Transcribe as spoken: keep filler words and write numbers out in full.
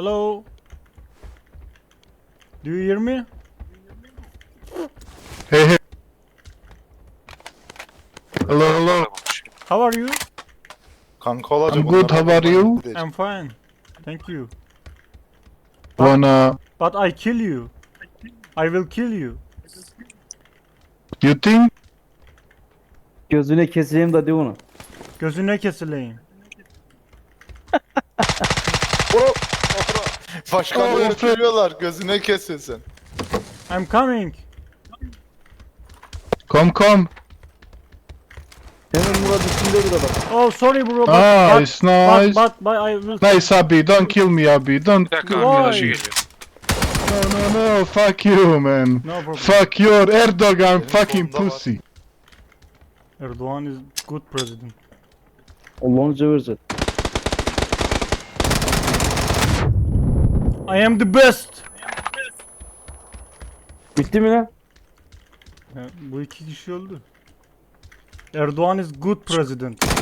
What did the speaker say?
Hello. Do you hear me? Hey hey. Hello hello. How are you? Kanka olacak. I'm good, how are you? I'm fine. Thank you. Wanna... But I kill you. I will kill you. You think? Gözüne keseyim de de onu. Gözüne kesileyim. Başkanları Oh, öpüyorlar. Gözüne kesilsin. I'm coming. Come come. Hemen Murat üstünde bir adam. Oh sorry bro. But, Ah, but, it's nice. But, but, but I will. Nice Abi, don't kill me Abi, don't... Bir dakika Why? arkadaşı geliyor. No no no, fuck you man. No problem. Fuck your Erdogan Benim fucking sonunda var. pussy. Erdoğan is good president. Allah'ını seversen. I am the best. Bitti mi lan? Ya, bu iki kişi öldü. Erdoğan is good president.